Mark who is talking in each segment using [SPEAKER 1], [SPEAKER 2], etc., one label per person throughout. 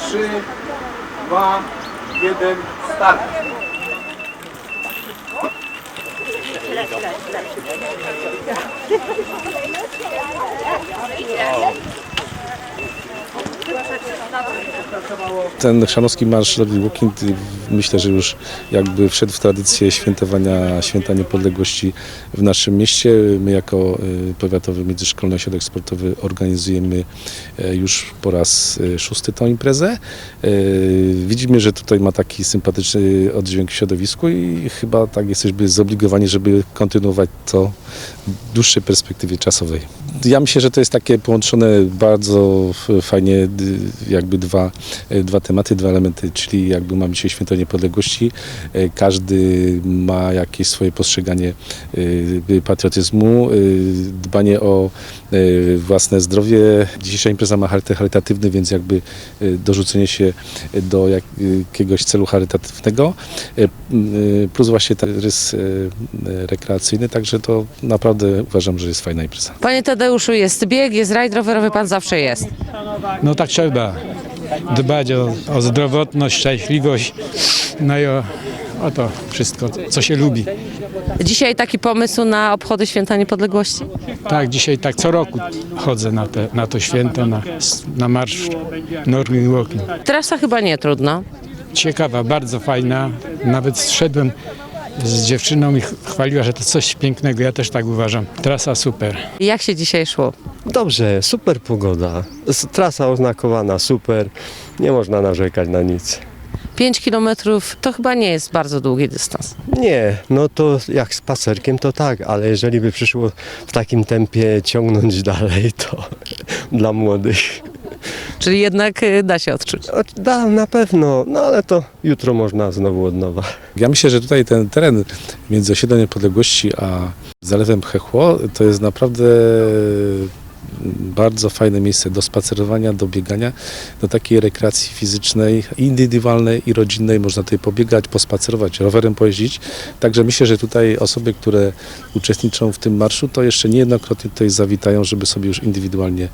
[SPEAKER 1] 3, 2, 1, start.
[SPEAKER 2] Ten chrzanowski marsz Road Walking, myślę, że już jakby wszedł w tradycję świętowania Święta Niepodległości w naszym mieście. My jako Powiatowy Międzyszkolny Ośrodek Sportowy organizujemy już po raz 6. tę imprezę. Widzimy, że tutaj ma taki sympatyczny oddźwięk w środowisku i chyba tak jesteśmy zobligowani, żeby kontynuować to w dłuższej perspektywie czasowej. Ja myślę, że to jest takie połączone bardzo fajnie jakby dwa tematy, dwa elementy, czyli jakby mamy dzisiaj Święto Niepodległości. Każdy ma jakieś swoje postrzeganie patriotyzmu, dbanie o własne zdrowie. Dzisiejsza impreza ma charakter charytatywny, więc jakby dorzucenie się do jakiegoś celu charytatywnego, plus właśnie ten rys rekreacyjny, także to naprawdę uważam, że jest fajna impreza.
[SPEAKER 3] Panie Tadeuszu, jest bieg, jest rajd rowerowy, pan zawsze jest.
[SPEAKER 4] No tak trzeba dbać o zdrowotność, szczęśliwość, no i o to wszystko, co się lubi.
[SPEAKER 3] Dzisiaj taki pomysł na obchody Święta Niepodległości?
[SPEAKER 4] Tak, dzisiaj tak co roku chodzę na to święto, na marsz Northern Walking.
[SPEAKER 3] Trasa chyba nie trudna.
[SPEAKER 4] Ciekawa, bardzo fajna, nawet zszedłem z dziewczyną i chwaliła, że to coś pięknego, ja też tak uważam. Trasa super.
[SPEAKER 3] Jak się dzisiaj szło?
[SPEAKER 5] Dobrze, super pogoda. Trasa oznakowana, super. Nie można narzekać na nic.
[SPEAKER 3] 5 kilometrów to chyba nie jest bardzo długi dystans.
[SPEAKER 5] Nie, no to jak spacerkiem to tak, ale jeżeli by przyszło w takim tempie ciągnąć dalej, to dla młodych.
[SPEAKER 3] Czyli jednak da się odczuć.
[SPEAKER 5] Da, na pewno, no ale to jutro można znowu od nowa.
[SPEAKER 2] Ja myślę, że tutaj ten teren między osiedlem Niepodległości a Zalewem Chechło to jest naprawdę bardzo fajne miejsce do spacerowania, do biegania, do takiej rekreacji fizycznej, indywidualnej i rodzinnej. Można tutaj pobiegać, pospacerować, rowerem pojeździć. Także myślę, że tutaj osoby, które uczestniczą w tym marszu, to jeszcze niejednokrotnie tutaj zawitają, żeby sobie już indywidualnie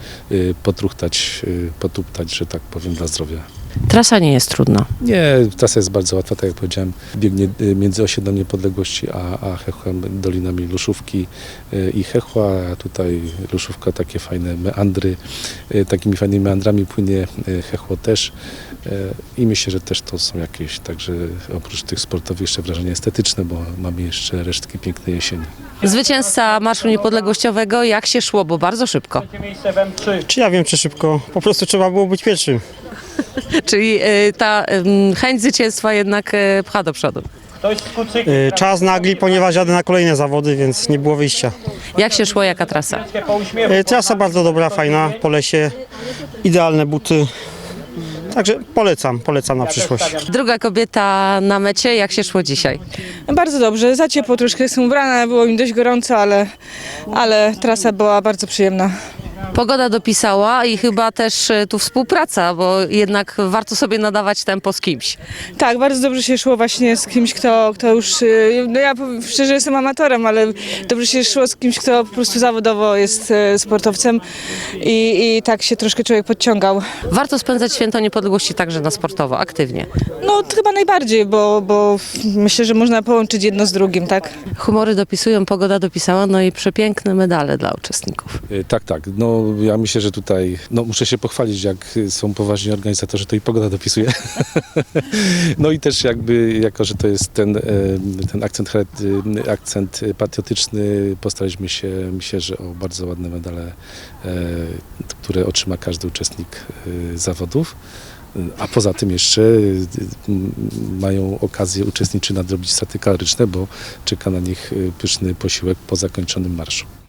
[SPEAKER 2] potuptać, że tak powiem, dla zdrowia.
[SPEAKER 3] Trasa nie jest trudna.
[SPEAKER 2] Nie, trasa jest bardzo łatwa, tak jak powiedziałem, biegnie między osiedlem Niepodległości a Chechłem, dolinami Luszówki i Chechła, a tutaj Luszówka takie fajne meandry, takimi fajnymi meandrami płynie Chechło też i myślę, że też to są jakieś, także oprócz tych sportowych jeszcze wrażenia estetyczne, bo mamy jeszcze resztki pięknej jesieni.
[SPEAKER 3] Zwycięzca Marszu Niepodległościowego, jak się szło, bo bardzo szybko.
[SPEAKER 6] Czy ja wiem, czy szybko? Po prostu trzeba było być pierwszym.
[SPEAKER 3] Czyli ta chęć zwycięstwa jednak pcha do przodu.
[SPEAKER 6] Czas nagli, ponieważ jadę na kolejne zawody, więc nie było wyjścia.
[SPEAKER 3] Jak się szło, jaka trasa?
[SPEAKER 6] Trasa bardzo dobra, fajna, po lesie, idealne buty. Także polecam na przyszłość.
[SPEAKER 3] Druga kobieta na mecie, jak się szło dzisiaj?
[SPEAKER 7] Bardzo dobrze, za ciepło troszkę jestem ubrana, było mi dość gorąco, ale trasa była bardzo przyjemna.
[SPEAKER 3] Pogoda dopisała i chyba też tu współpraca, bo jednak warto sobie nadawać tempo z kimś.
[SPEAKER 7] Tak, bardzo dobrze się szło właśnie z kimś, kto już, no ja powiem szczerze, jestem amatorem, ale dobrze się szło z kimś, kto po prostu zawodowo jest sportowcem i tak się troszkę człowiek podciągał.
[SPEAKER 3] Warto spędzać Święto Niepodległości także na sportowo, aktywnie.
[SPEAKER 7] No chyba najbardziej, bo myślę, że można połączyć jedno z drugim, tak?
[SPEAKER 3] Humory dopisują, pogoda dopisała, no i przepiękne medale dla uczestników.
[SPEAKER 2] Tak. No ja myślę, że tutaj muszę się pochwalić, jak są poważni organizatorzy, to i pogoda dopisuje. No i też jakby, jako że to jest ten akcent patriotyczny, postaraliśmy się, myślę, że o bardzo ładne medale, które otrzyma każdy uczestnik zawodów. A poza tym jeszcze mają okazję uczestniczyć nadrobić straty kaloryczne, bo czeka na nich pyszny posiłek po zakończonym marszu.